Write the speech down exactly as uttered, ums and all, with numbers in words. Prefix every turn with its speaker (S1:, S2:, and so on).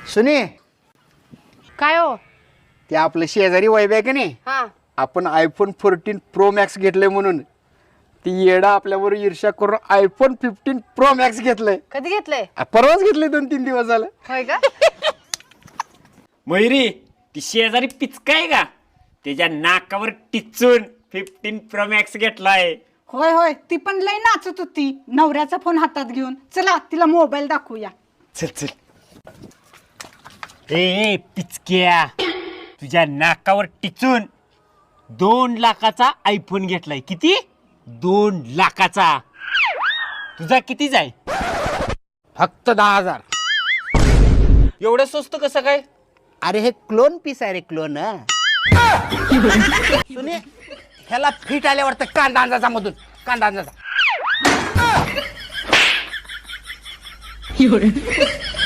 S1: सुने
S2: काय हो?
S1: ते आपलं शेजारी वैभ आहे का नाही,
S2: हा
S1: आपण आयफोन फोर्टीन प्रो मॅक्स घेतलंय म्हणून ती येडा आपल्यावर ईर्ष्या करून आयफोन फिफ्टीन प्रो मॅक्स घेतलंय.
S2: कधी घेतलंय?
S1: आ, परवाच घेतलंय, दोन तीन दिवस झालं.
S2: होय का?
S3: मयुरी ती शेजारी पिचकाय का त्याच्या नाकावर टिचून फिफ्टीन प्रो मॅक्स घेतलाय.
S4: होय होय, ती पण लई नाचत होती नवऱ्याचा फोन हातात घेऊन. चला तिला मोबाईल दाखवूया.
S3: चल चल. ए पिचक्या, तुझ्या नाकावर टिचून दोन लाखाचा आयफोन घेतलाय. किती? दोन लाखाचा. तुझा किती जाय?
S1: फक्त दहा हजार.
S3: एवढं स्वस्त कसं काय?
S1: अरे हे क्लोन पीस आहे रे, क्लोन. सुने ह्याला फिट आल्यावर तर कांदा अंदाजा मधून कांदा अंदाजा